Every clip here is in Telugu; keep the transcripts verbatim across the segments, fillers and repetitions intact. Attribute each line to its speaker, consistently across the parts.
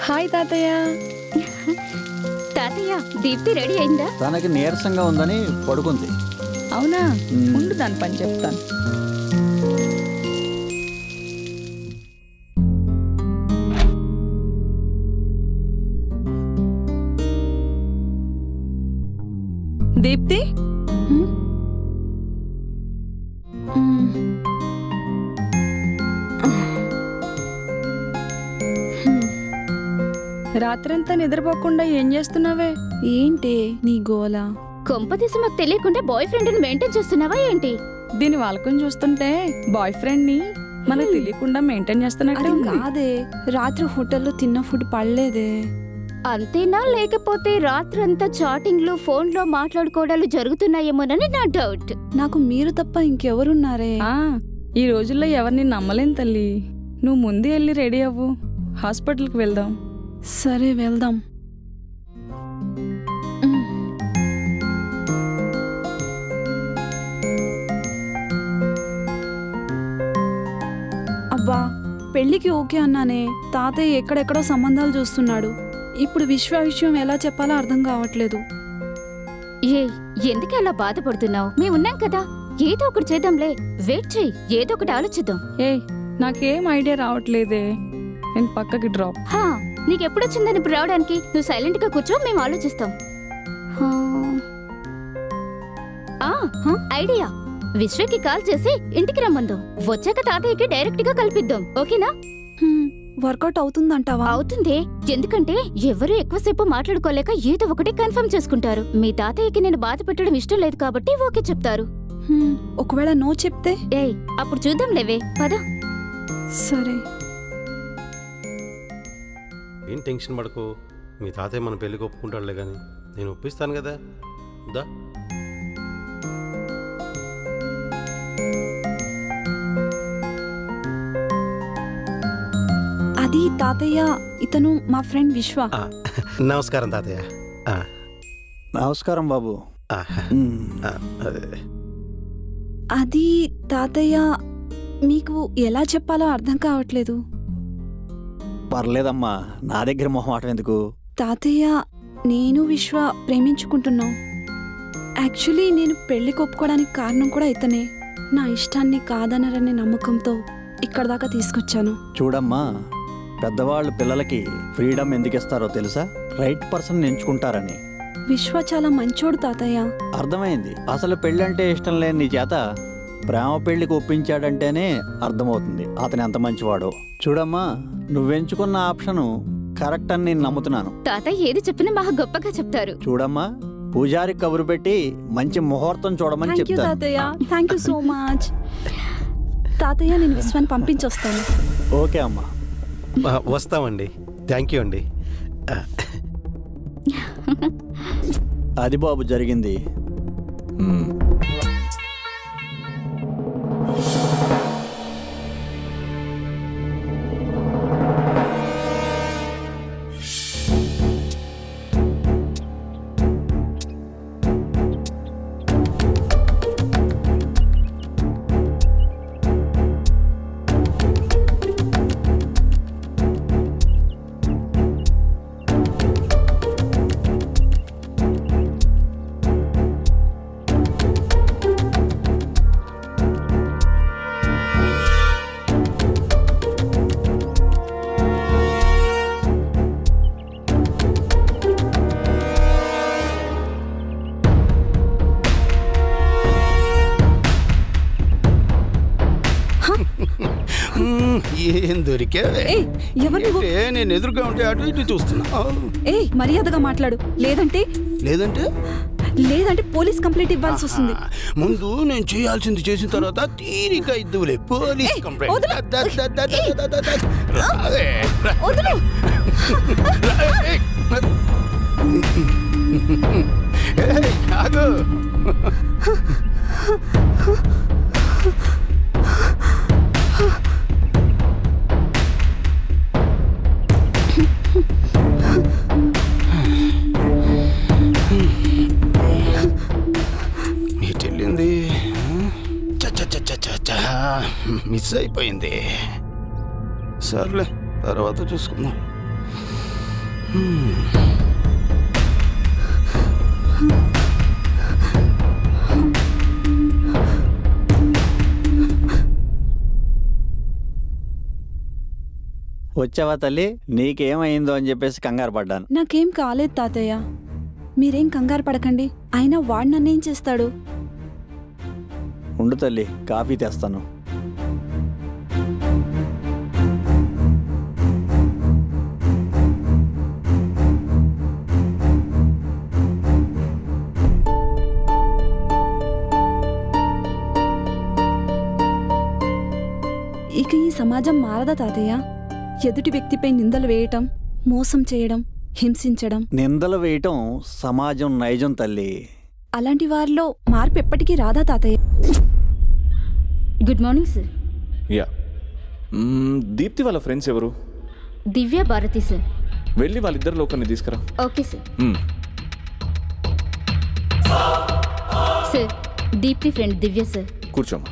Speaker 1: హాయ్ తాతయ్య.
Speaker 2: తాతయ్య దీప్తి రెడీ అయిందా?
Speaker 3: తనకి నీరసంగా ఉందని పడుకుంది.
Speaker 1: అవునా? ఉండు దాని పని చెప్తాను. దీప్తి, రాత్రంతా నిద్రపోకుండా ఏం చేస్తున్నావే? ఏంటి నీ గోల?
Speaker 2: కొంపతీసి మాకు తెలియకుండా బాయ్ ఫ్రెండ్ మెయింటైన్ చేస్తున్నావా ఏంటి?
Speaker 1: దీని వాళ్ళకొని చూస్తుంటే బాయ్ ఫ్రెండ్ ని మనకు తెలియకుండా మెయింటైన్ చేస్తున్నట్టు
Speaker 4: కాదే. రాత్రి హోటల్లో తిన్న ఫుడ్ పడలేదే.
Speaker 2: అంతేనా, లేకపోతే రాత్రంతా చాటింగ్లు ఫోన్లో మాట్లాడుకోవడాలు జరుగుతున్నాయేమోనని నా డౌట్.
Speaker 4: నాకు మీరు తప్ప ఇంకెవరున్నారే?
Speaker 1: ఆ, ఈ రోజుల్లో ఎవరిని నమ్మలేం తల్లి. నువ్వు ముందే వెళ్ళి రెడీ అవ్వు, హాస్పిటల్కి వెళ్దాం.
Speaker 4: సరే వెళ్దాం. అబ్బా, పెళ్ళికి ఓకే అన్నానే. తాతయ్య ఎక్కడెక్కడో సంబంధాలు చూస్తున్నాడు. ఇప్పుడు విశ్వ విషయం ఎలా చెప్పాలో అర్థం కావట్లేదు.
Speaker 2: ఏ ఎందుకు అలా బాధపడుతున్నావు? మేమున్నాం కదా, ఏదో ఒకటి చేద్దాంలే. వెయిట్ చెయ్యి, ఏదో ఒకటి ఆలోచిద్దాం.
Speaker 1: ఏ నాకేం ఐడియా రావట్లేదే. నేను పక్కకి డ్రాప్.
Speaker 2: హా, నీకెప్పుడొచ్చిందని ఇప్పుడు రావడానికి? నువ్వు సైలెంట్ గా కూర్చో, మేము ఆలోచిస్తాం. హా. ఆ, ఐడియా. విశ్వకి కాల్ చేసి ఇంటికి రమ్మందాం. వచ్చాక తాతయ్యకి డైరెక్ట్ గా కల్పిద్దాం. ఓకేనా?
Speaker 4: వర్కౌట్ అవుతుందంటావా?
Speaker 2: అవుతుంది. ఎందుకంటే ఎవరు ఎక్కువసేపు మాట్లాడుకోలేక ఏదో ఒకటి కన్ఫర్మ్ చేసుకుంటారు. మీ తాతయ్యకి నేను బాధ పెట్టడం ఇష్టం లేదు కాబట్టి ఓకే చెప్తారు.
Speaker 4: ఒకవేళ నో చెప్తే?
Speaker 2: ఏయ్, అప్పుడు చూద్దాం లేవే, పద.
Speaker 4: సరే.
Speaker 5: ఏం టెన్షన్ పడకు. మీ తాతయ్య మన పెళ్ళికి ఒప్పుకుంటాడులే కానీ నేను ఒప్పిస్తాను కదా. దా.
Speaker 4: అది తాతయ్య, ఇతను మా ఫ్రెండ్ విశ్వ.
Speaker 5: నమస్కారం తాతయ్య.
Speaker 3: నమస్కారం బాబు.
Speaker 4: అది తాతయ్య, మీకు ఎలా చెప్పాలో అర్థం కావట్లేదు.
Speaker 3: పర్లేదమ్మా, నా దగ్గర మొహమాటం ఎందుకు?
Speaker 4: తాతయ్య, నేను విశ్వ ప్రేమించుకుంటున్నాం. యాక్చువల్లీ నేను పెళ్లికి ఒప్పుకోవడానికి కారణం కూడా ఇతనే. నా ఇష్టాన్ని కాదనరనే నమ్మకంతో ఇక్కడ దాకా తీసుకొచ్చాను.
Speaker 3: చూడమ్మా, పెద్దవాళ్ళు పిల్లలకి ఫ్రీడమ్ ఎందుకు ఇస్తారో తెలుసా? రైట్ పర్సన్ ఎంచుకుంటారని.
Speaker 4: విశ్వ చాలా మంచోడు తాతయ్య.
Speaker 3: అర్థమైంది. అసలు పెళ్ళంటే ఇష్టం లేని నీ చేత ప్రేమ పెళ్లికి ఒప్పించాడంటేనే అర్థమవుతుంది అతను ఎంత మంచివాడో. చూడమ్మా, నువ్వెంచుకున్న ఆప్షను కరెక్ట్ అని నేను నమ్ముతున్నాను.
Speaker 2: తాతయ్య ఏది చెప్పినా బాగా గొప్పగా చెప్తారు.
Speaker 3: చూడమ్మా, పూజారి కబురు పెట్టి మంచి ముహూర్తం చూడమని
Speaker 4: థ్యాంక్ యూ
Speaker 3: చెప్తాను.
Speaker 4: తాతయ్య, థ్యాంక్ యూ సో మచ్. తాతయ్య, నేను విశ్వాన్ని పంపించొస్తాను.
Speaker 3: ఓకే అమ్మా.
Speaker 5: వస్తామండి. థ్యాంక్ యూ అండి.
Speaker 3: అది బాబు జరిగింది.
Speaker 5: ఏం దొరికావే? నేను ఎదురుగా ఉంటే అటు ఇటు చూస్తున్నా.
Speaker 4: ఏ మర్యాదగా మాట్లాడు, లేదంటే
Speaker 5: లేదంటే
Speaker 4: లేదంటే పోలీస్ కంప్లైంట్ ఇవ్వాల్సి వస్తుంది.
Speaker 5: ముందు నేను చేయాల్సింది చేసిన తర్వాత తీరిక ఇద్దులే పోలీస్ కంప్లైంట్. మిస్ అయిపోయింది. సర్లే, తర్వాత చూసుకుందాం.
Speaker 3: వచ్చావా తల్లి? నీకేమైందో అని చెప్పేసి కంగారు పడ్డాను.
Speaker 4: నాకేం కాలేదు తాతయ్య, మీరేం కంగారు పడకండి. అయినా వాడు నన్నేం చేస్తాడు?
Speaker 3: ఉండు తల్లి, కాఫీ తెస్తాను.
Speaker 4: ఇక ఈ సమాజం మారదా తాతయ్య? ఎదుటి వ్యక్తిపై నిందలు వేయటం, మోసం చేయడం, హింసించడం,
Speaker 3: నిందలు వేయటం సమాజం నైజం తల్లి.
Speaker 4: అలాంటి వారిలో మార్పు ఎప్పటికీ రాదా తాతయ్య?
Speaker 2: Good morning sir.
Speaker 6: యా మ్మ్, దీప్తి వాళ్ళ ఫ్రెండ్స్ ఎవరు?
Speaker 2: దివ్య భారతి సార్.
Speaker 6: వెళ్ళి వాళ్ళిద్దరిలో ఒకరిని తీసుకురా.
Speaker 2: Okay sir.
Speaker 6: మ్మ్.
Speaker 2: Sir, Deepti friend Divya sir.
Speaker 6: కూర్చోమ్మా.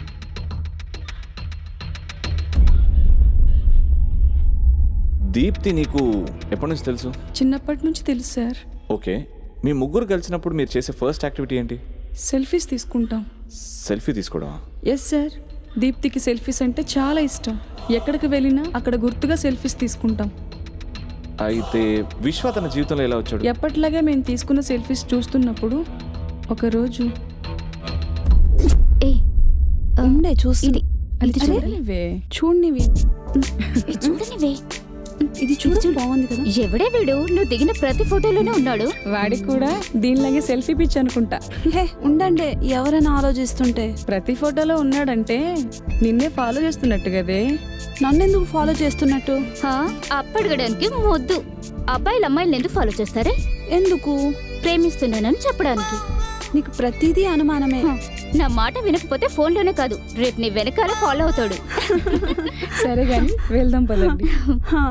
Speaker 6: దీప్తి నీకు ఎప్పటి నుంచి తెలుసు?
Speaker 1: చిన్నప్పటి నుంచి తెలుసు సార్.
Speaker 6: ఓకే, మీ ముగ్గురు కలిసినప్పుడు మీరు చేసే ఫస్ట్ యాక్టివిటీ ఏంటి?
Speaker 1: సెల్ఫీస్ తీసుకుంటాం.
Speaker 6: సెల్ఫీ తీసుకోవడమా?
Speaker 1: ఎస్ సార్, దీప్తికి సెల్ఫీస్ అంటే చాలా ఇష్టం. ఎక్కడికి వెళ్ళినా అక్కడ గుర్తుగా సెల్ఫీస్ తీసుకుంటాం.
Speaker 6: అయితే విశ్వ తన జీవితంలో ఎలా వచ్చాడు?
Speaker 1: ఎప్పటిలాగే మేము తీసుకున్న సెల్ఫీస్ చూస్తున్నప్పుడు ఒకరోజు
Speaker 2: ఏ
Speaker 4: ఉండే చూస్తుంది.
Speaker 1: అది
Speaker 2: ఇది చూడు.
Speaker 1: చూడలేవే.
Speaker 4: చూడనివి,
Speaker 2: ఇది చూడనివే.
Speaker 4: ఇది చూడు, బాగుంది కదా?
Speaker 2: ఎవడే వీడు? నువ్వు దిగిన ప్రతి ఫోటోలోనే ఉన్నాడు.
Speaker 1: వాడికి కూడా దీనిలాగే సెల్ఫీ పిచ్ అనుకుంటా.
Speaker 4: హే ఉండండి, ఎవరైనా ఆలోచిస్తుంటే.
Speaker 1: ప్రతి ఫోటోలో ఉన్నాడంటే నిన్నే ఫాలో చేస్తున్నట్టు కదే.
Speaker 4: నన్నెందుకు ఫాలో చేస్తున్నట్టు?
Speaker 2: హా, అప్పడగడానికి మొద్దు. అబ్బాయిలు అమ్మాయిలను ఎందుకు ఫాలో చేస్తారే?
Speaker 4: ఎందుకు?
Speaker 2: ప్రేమిస్తున్నానని చెప్పడానికి.
Speaker 4: నీకు ప్రతిదీ అనుమానమే.
Speaker 2: హ, నా మాట వినకపోతే ఫోన్లోనే కాదు, రేపు నీ వెనకాల ఫాలో అవుతాడు.
Speaker 1: సరే గాని వెళ్దాం పదండి.
Speaker 4: హా.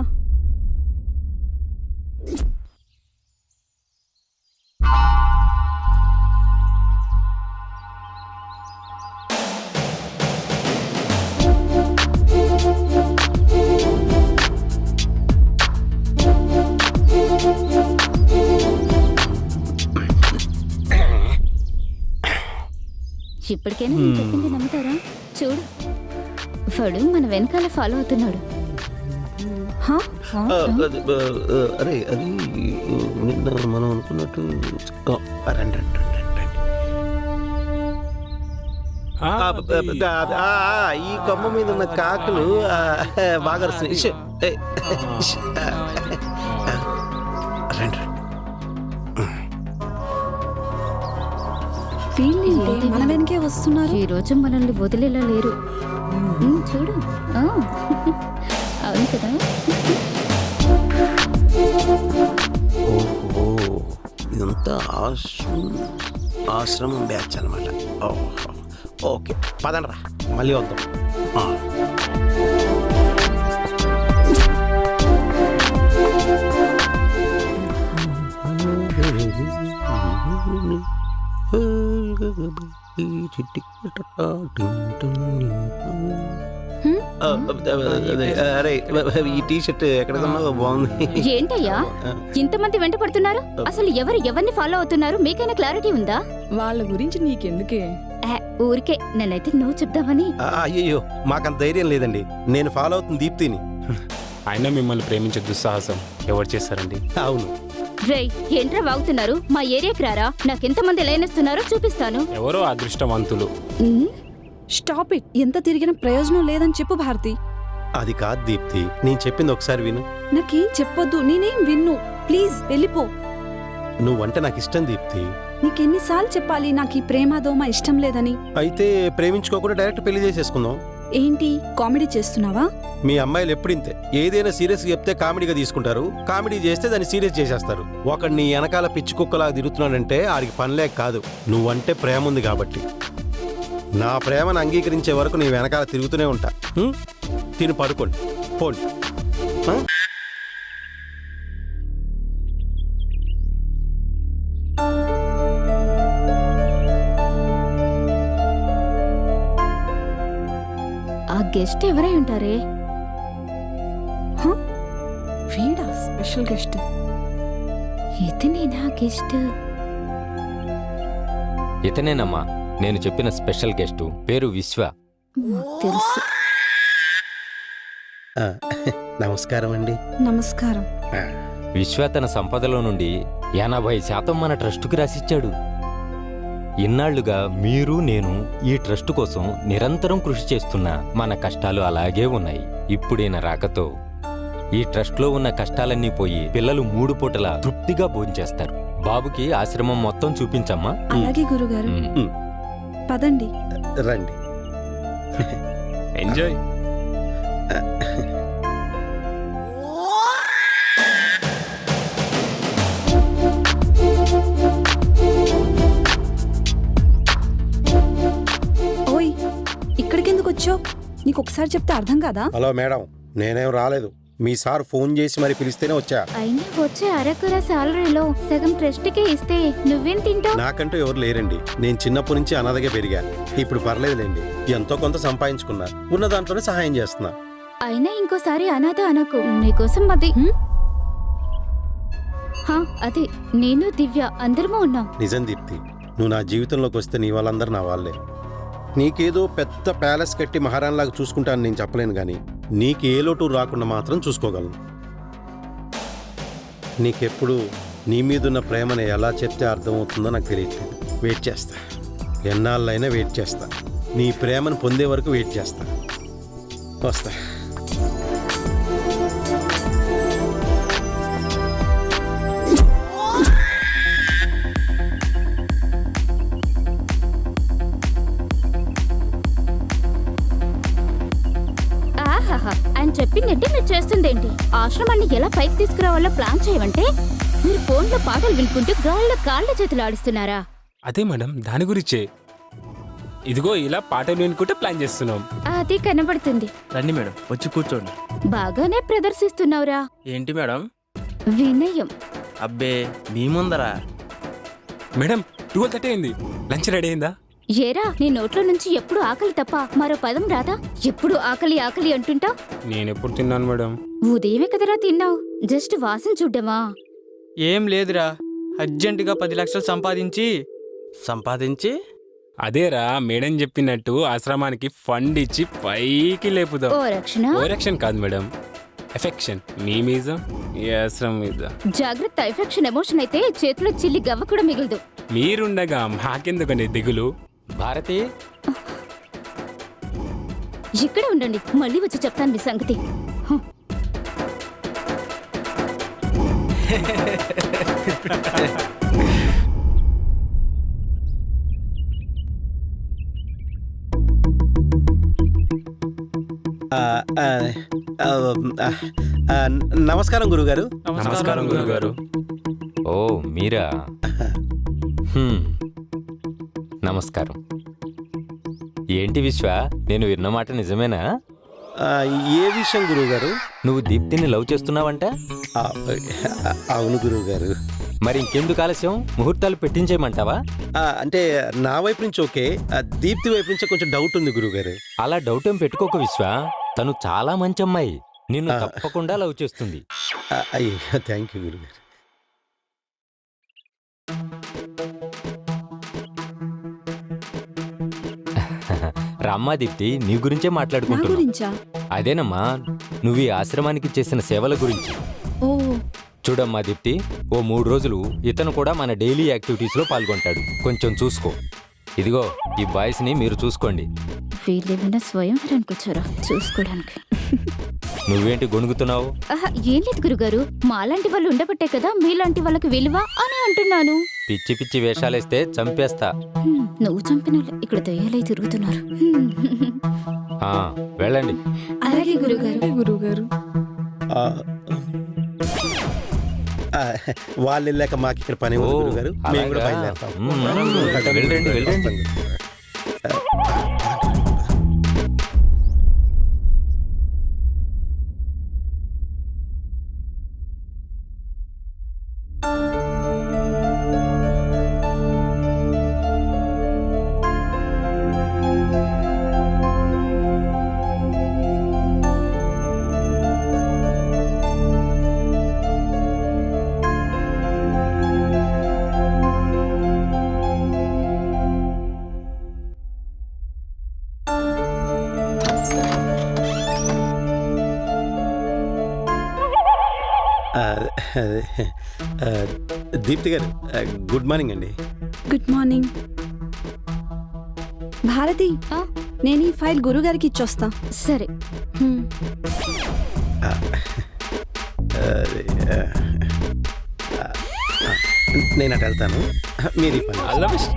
Speaker 2: ఇప్పటికైనా నేను చెప్పింది నమ్ముతారా? చూడు, వాడు మన వెనకాల ఫాలో అవుతున్నాడు.
Speaker 4: హా?
Speaker 5: ఆ, అది, ఆ, ఆ, అరే అది నిన్న మనం అనుకున్నట్టు ఆ, రండి రండి రండి రండి. ఆ, ఆ, ఆ, ఆ, ఈ కొమ్మ మీద ఉన్న కాకులు ఆ, బాగా అరుస్తున్నాయి. ఇష్, ఏ, ఇష్, ఆ, రండి రండి.
Speaker 4: వీళ్ళేంటి మన వెనకే వస్తున్నారు?
Speaker 2: ఈ రోజు మనల్ని వదిలేలా లేరు. ఉమ్, చూడు. ఆ, అవును కదా.
Speaker 5: ఓహో, ఇదంతా ఆశ్రమం ఆశ్రమం బ్యాచ్ అనమాట. ఓహో, ఓకే పదండ్రా, మళ్ళీ వద్దాం. ఆ. అరే ఈ టీ షర్ట్ ఎక్కడ కొన్నావు? బాగుంది.
Speaker 2: ఏంటయ్యా ఇంతమంది వెంట పడుతున్నారు? అసలు ఎవరు ఎవరిని ఫాలో అవుతున్నారు? మీకైనా క్లారిటీ ఉందా?
Speaker 1: వాళ్ళ గురించి నీకెందుకే?
Speaker 2: ఆ, ఊరికే నన్నైతే నువ్వు చెప్దామని.
Speaker 5: అయ్యయ్యో, మాకంత ధైర్యం లేదండి. నేను ఫాలో అవుతుంది దీప్తిని.
Speaker 7: అయినా మిమ్మల్ని ప్రేమించే దుస్సాహసం ఎవరు చేశారండి?
Speaker 5: అవును.
Speaker 2: రేయ్, ఏంట్రా వాగుతున్నారు? మా ఏరియాకి రారా, నాకెంతమంది లైనేస్తున్నారో చూపిస్తాను.
Speaker 7: ఎవరో అదృష్టవంతులు.
Speaker 2: Um,
Speaker 4: stop it. ఎంత తిరిగిన ప్రయోజనం లేదని చెప్పు భారతి.
Speaker 5: అది కాదు దీప్తి, నేను చెప్పింది ఒకసారి విను.
Speaker 4: నాకేం చెప్పొద్దు, నేనేం విన్ను. ప్లీజ్ వెళ్ళిపో.
Speaker 5: నువ్వంటే నాకు ఇష్టం దీప్తి.
Speaker 4: నీకెన్నిసార్లు చెప్పాలి నాకు ఈ ప్రేమ దోమ ఇష్టం లేదని?
Speaker 5: అయితే ప్రేమించుకోకుండా డైరెక్ట్ పెళ్లి చేసేసుకుందాం.
Speaker 4: ఏంటి కామెడీ చేస్తున్నావా?
Speaker 5: మీ అమ్మాయిలు ఎప్పుడింతే, ఏదైనా సీరియస్ చెప్తే కామెడీగా తీసుకుంటారు, కామెడీ చేస్తే దాన్ని సీరియస్ చేసేస్తారు. ఒకడు నీ వెనకాల పిచ్చి కుక్కలాగా తిరుగుతున్నాడంటే ఆడికి పనిలేక కాదు, నువ్వంటే ప్రేమ ఉంది కాబట్టి. నా ప్రేమను అంగీకరించే వరకు నీ వెనకాల తిరుగుతూనే ఉంటా. హ్మ్? తిని పడుకోండి, పోండి. ఆ?
Speaker 2: ఆ గెస్ట్ ఎవరై ఉంటారే?
Speaker 4: హ? వీడా స్పెషల్ గెస్ట్?
Speaker 2: ఇతనేనా గెస్ట్?
Speaker 8: ఇతనేనమ్మా నేను చెప్పిన స్పెషల్ గెస్టు, పేరు విశ్వ.
Speaker 2: మాకు తెలుసు.
Speaker 5: ఆ, నమస్కారం అండి.
Speaker 4: నమస్కారం.
Speaker 5: ఆ,
Speaker 8: విశ్వ తన సంపదలో నుండి ఎనభై శాతం మన ట్రస్టుకి రాసిచ్చాడు. ఇన్నాళ్లుగా మీరు నేను ఈ ట్రస్టు కోసం నిరంతరం కృషి చేస్తున్నా మన కష్టాలు అలాగే ఉన్నాయి. ఇప్పుడైన రాకతో ఈ ట్రస్ట్లో ఉన్న కష్టాలన్నీ పోయి పిల్లలు మూడు పూటలా తృప్తిగా భోంచేస్తారు. బాబుకి ఆశ్రమం మొత్తం చూపించమ్మా.
Speaker 4: అలాగే గురుగారు.
Speaker 8: ఉమ్.
Speaker 4: పదండి.
Speaker 5: రండి.
Speaker 7: ఎంజాయ్.
Speaker 4: ఓయ్, ఇక్కడికెందుకు వచ్చావు? నీకు ఒకసారి చెప్తే అర్థం కాదా?
Speaker 5: హలో మేడం, నేనేం రాలేదు. మీ సార్ ఫోన్ చేసి మరి పిలిస్తేనే వచ్చా.
Speaker 2: అయినా వచ్చే అరకుర సాలరీలో సగం ట్రస్ట్కే ఇస్తే నువ్వేం తింటావు?
Speaker 5: నాకంటూ ఎవరు లేరండి. నేను చిన్నప్పటి నుంచి అనాథగా పెరిగా. ఇప్పుడు పర్లేదులేండి, ఎంతో కొంత సంపాదించుకున్నా. ఉన్న దాంట్లోనే సహాయం చేస్తున్నా.
Speaker 2: అయినా ఇంకోసారి అనాథ అనకు. నీకోసం అది హ్మ్? హా, అదే నేను దివ్య అందరము ఉన్నాం.
Speaker 5: నిజం దీప్తి, నువ్వు నా జీవితంలోకి వస్తే నీ వాళ్ళందరూ నా వాళ్ళే. నీకేదో పెద్ద ప్యాలెస్ కట్టి మహారాణిలాగా చూసుకుంటాను నేను చెప్పలేను, కానీ నీకు ఏ లోటు రాకుండా మాత్రం చూసుకోగలను. నీకెప్పుడు నీ మీదున్న ప్రేమని ఎలా చెప్తే అర్థమవుతుందో నాకు తెలియట్లేదు. వెయిట్ చేస్తా, ఎన్నాళ్ళైనా వెయిట్ చేస్తా. నీ ప్రేమను పొందే వరకు వెయిట్ చేస్తా. వస్తా.
Speaker 2: ఆహాహా, ఆయన చెప్పిందేంటి, మీరు చేస్తుందేంటి? ఆశ్రమాన్ని ఎలా పైకి తీసుకురావాలో ప్లాన్ చేయమంటే మీరు ఫోన్లో పాటలు వినుకుంటూ గాల్లో కాళ్ళ చేతులు ఆడిస్తున్నారా?
Speaker 7: అదే మేడం, దాని గురించే. ఇదిగో ఇలా పాటలు వినుకుంటే ప్లాన్ చేస్తున్నాం.
Speaker 2: అది కనబడుతుంది.
Speaker 9: రండి మేడం, వచ్చి కూర్చోండి.
Speaker 2: బాగానే ప్రదర్శిస్తున్నావురా.
Speaker 9: ఏంటి మేడం?
Speaker 2: వినయం.
Speaker 9: అబ్బే మీ ముందరా?
Speaker 7: మేడం, ట్వెల్వ్ థర్టీ అయింది. లంచ్ రెడీ అయిందా?
Speaker 2: ఏరా, నీ నోట్లో నుంచి ఎప్పుడు ఆకలి తప్ప మరో పదం రాదా? ఎప్పుడు ఆకలి ఆకలి అంటుంటా.
Speaker 7: నేనెప్పుడు తిన్నాను మేడం?
Speaker 2: ఉదయమే కదరా తిన్నావు, జస్ట్ వాసన చూడ్డమా?
Speaker 9: ఏం లేదురా, అర్జెంటుగా పది లక్షలు సంపాదించి సంపాదించి
Speaker 7: అదేరా మేడం చెప్పినట్టు ఆశ్రమానికి ఫండ్ ఇచ్చి పైకి లేపుదాం.
Speaker 2: ఓ రక్షణ.
Speaker 7: ఓ రక్షణ కాదు మేడం, ఎఫెక్షన్. మీ మీద, ఈ ఆశ్రమం మీద.
Speaker 2: జాగ్రత్త, ఎఫెక్షన్ ఎమోషన్ అయితే చేతిలో చిల్లి గవ్వ కూడా మిగలదు.
Speaker 7: మీరుండగా మాకెందుకని దిగులు?
Speaker 8: భారతి,
Speaker 2: ఇక్కడే ఉండండి, మళ్ళీ వచ్చి చెప్తాను మీ సంగతి. హ.
Speaker 5: ఆ, ఆ, ఆ, ఆ, నమస్కారం గురుగారు.
Speaker 7: నమస్కారం గురుగారు.
Speaker 8: ఓ మీరా? హ్మ్. నమస్కారం. ఏంటి విశ్వ, నేను విన్న మాట నిజమేనా?
Speaker 5: ఆ, ఏ విషయం గురువుగారు?
Speaker 8: నువ్వు దీప్తిని లవ్ చేస్తున్నావంట?
Speaker 5: ఆ, అవును గురువుగారు.
Speaker 8: మరి ఇంకెందుకు ఆలస్యం, ముహూర్తాలు పెట్టించేయమంటావా?
Speaker 5: ఆ, అంటే నా వైపు నుంచి ఓకే, ఆ, దీప్తి వైపు నుంచి కొంచెం డౌట్ ఉంది గురువుగారు.
Speaker 8: అలా డౌట్ ఏం పెట్టుకోక విశ్వ, తను చాలా మంచి అమ్మాయి, నిన్ను తప్పకుండా లవ్ చేస్తుంది.
Speaker 5: ఆ, అయ్యో థ్యాంక్ యూ గురుగారు.
Speaker 8: రామ్మా దీప్తి, నీ గురించే
Speaker 4: నా
Speaker 8: మాట్లాడుకుంటున్నా.
Speaker 4: గురించా?
Speaker 8: అదేనమ్మా, నువ్వు ఈ ఆశ్రమానికి చేసిన సేవల గురించి.
Speaker 4: ఓ,
Speaker 8: చూడమ్మా దీప్తి, ఓ మూడు రోజులు ఇతను కూడా మన డైలీ యాక్టివిటీస్లో పాల్గొంటాడు. కొంచెం చూసుకో. ఇదిగో ఈ బాయ్స్ ని మీరు చూసుకోండి.
Speaker 2: వీళ్ళేమైనా స్వయంవరానికి వచ్చారా చూసుకోవడానికి?
Speaker 8: నువ్వేంటి గొణుగుతున్నావు?
Speaker 2: ఆహా, ఏం లేదు గురుగారు, మాలాంటి వాళ్ళు ఉండబట్టే కదా మీలాంటి వాళ్ళకి విలువ అని అంటున్నాను.
Speaker 8: పిచ్చి పిచ్చి వేషాలేస్తే చంపేస్తా.
Speaker 2: హ్మ్, నువ్వు చంపిన ఇక్కడ దయ్యాలై తిరుగుతున్నారు. హ్మ్.
Speaker 8: ఆ, వెళ్ళండి.
Speaker 2: అలాగే గురుగారు.
Speaker 1: గురువుగారు.
Speaker 5: ఆ, ఆ, వాళ్ళు వెళ్ళాక మాకు ఇక్కడ పని ఉంది
Speaker 8: ఓ,
Speaker 5: గురుగారు. మేము కూడా
Speaker 8: అలాగా?
Speaker 5: బయలుదేరుతాం.
Speaker 8: మ్మ్. వెళ్ళండి, వెళ్ళండి.
Speaker 5: ఆ, అదే, ఆ, దీప్తి గారు ఆ, గుడ్ మార్నింగ్ అండి.
Speaker 4: Good morning Bharati.
Speaker 2: ఆ?
Speaker 4: నేను ఈ ఫైల్ గురుగారికి ఇచ్చొస్తా.
Speaker 2: సరే.
Speaker 4: హ్మ్.
Speaker 5: ఆ, అదే, ఆ, ఆ, ఆ, నేను అటు వెళ్తాను, మీరు ఈ పని
Speaker 7: ఆల్ ద బెస్ట్.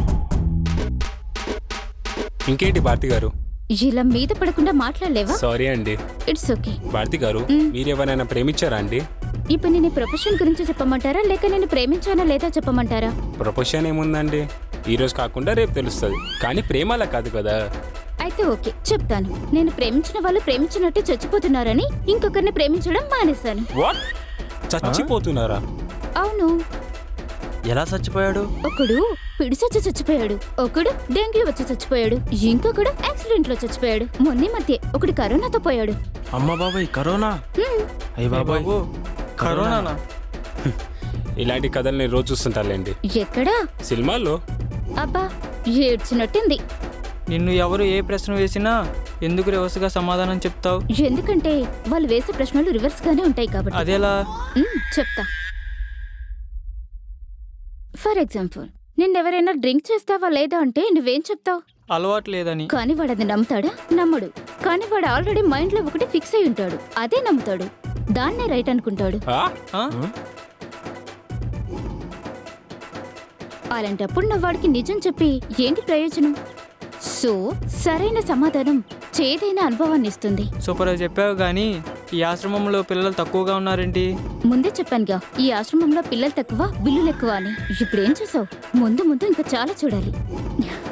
Speaker 7: ఇంకేంటి భారతి గారు?
Speaker 2: ఇలా మీద పడకుండా మాట్లాడలేవా?
Speaker 7: సారీ అండి.
Speaker 2: It's okay.
Speaker 7: భారతి గారు,
Speaker 2: మ్.
Speaker 7: మీరు ఎవరైనా ప్రేమించారా అండి?
Speaker 2: ఇప్పుడు నేను ప్రొఫెషన్ గురించి చెప్పమంటారా లేక నేను ప్రేమించానా లేదా చెప్పమంటారా?
Speaker 7: ప్రొఫెషన్ ఏముందండి, ఈ రోజు కాకుండా రేపు తెలుస్తుంది. కానీ ప్రేమ అలా కాదు కదా.
Speaker 2: అయితే ఓకే చెప్తాను. నేను ప్రేమించిన వాళ్ళు ప్రేమించినట్టు చచ్చిపోతున్నారని ఇంకొకరిని ప్రేమించడం మానేశాను.
Speaker 7: వాట్? చచ్చిపోతున్నారా?
Speaker 2: అవును.
Speaker 9: ఎలా చచ్చిపోయాడు?
Speaker 2: ఒకడు పిడిసొచ్చి చచ్చిపోయాడు, ఒకడు డెంగ్యూ వచ్చి చచ్చిపోయాడు, ఇంకొకడు యాక్సిడెంట్ లో చచ్చిపోయాడు. మొన్న మధ్య ఒకడు కరోనాతో పోయాడు.
Speaker 9: అమ్మ బాబాయ్ కరోనా.
Speaker 2: హ్మ్.
Speaker 9: అయ్య బాబాయ్ కరోనానా?
Speaker 7: ఇలాంటి కథలు నేను రోజు చూస్తుంటానులేండి,
Speaker 2: ఎక్కడా?
Speaker 7: సినిమాల్లో.
Speaker 2: అబ్బా ఏడ్చినట్టుంది.
Speaker 9: నిన్ను ఎవరు ఏ ప్రశ్న వేసినా ఎందుకు రివర్స్గా సమాధానం చెప్తావు?
Speaker 2: ఎందుకంటే వాళ్ళు వేసే ప్రశ్నలు రివర్స్ గానే ఉంటాయి కాబట్టి.
Speaker 9: అదేలా?
Speaker 2: మ్మ్, చెప్తా. ఫర్ ఎగ్జాంపుల్, నిన్నెవరైనా డ్రింక్ చేస్తావా లేదా అంటే నువ్వేం చెప్తావు?
Speaker 9: అలవాటు లేదని.
Speaker 2: కానీ వాడు అది నమ్ముతాడా? నమ్మడు. కానీ వాడు ఆల్రెడీ మైండ్ లో ఒకటి ఫిక్స్ అయి ఉంటాడు, అదే నమ్ముతాడు, దాన్నే రైట్ అనుకుంటాడు.
Speaker 7: ఆ?
Speaker 9: ఆ?
Speaker 2: అలాంటప్పుడు నువ్వు వాడికి నిజం చెప్పి ఏంటి ప్రయోజనం? సో సరైన సమాధానం చేదైన అనుభవాన్ని ఇస్తుంది.
Speaker 9: సూపర్ గా చెప్పావు, కానీ ఈ ఆశ్రమంలో పిల్లలు తక్కువగా ఉన్నారేంటి?
Speaker 2: ముందే చెప్పానుగా ఈ ఆశ్రమంలో పిల్లలు తక్కువ బిల్లులు ఎక్కువ అని. ఇప్పుడేం చూసావు? ముందు ముందు ఇంకా చాలా చూడాలి.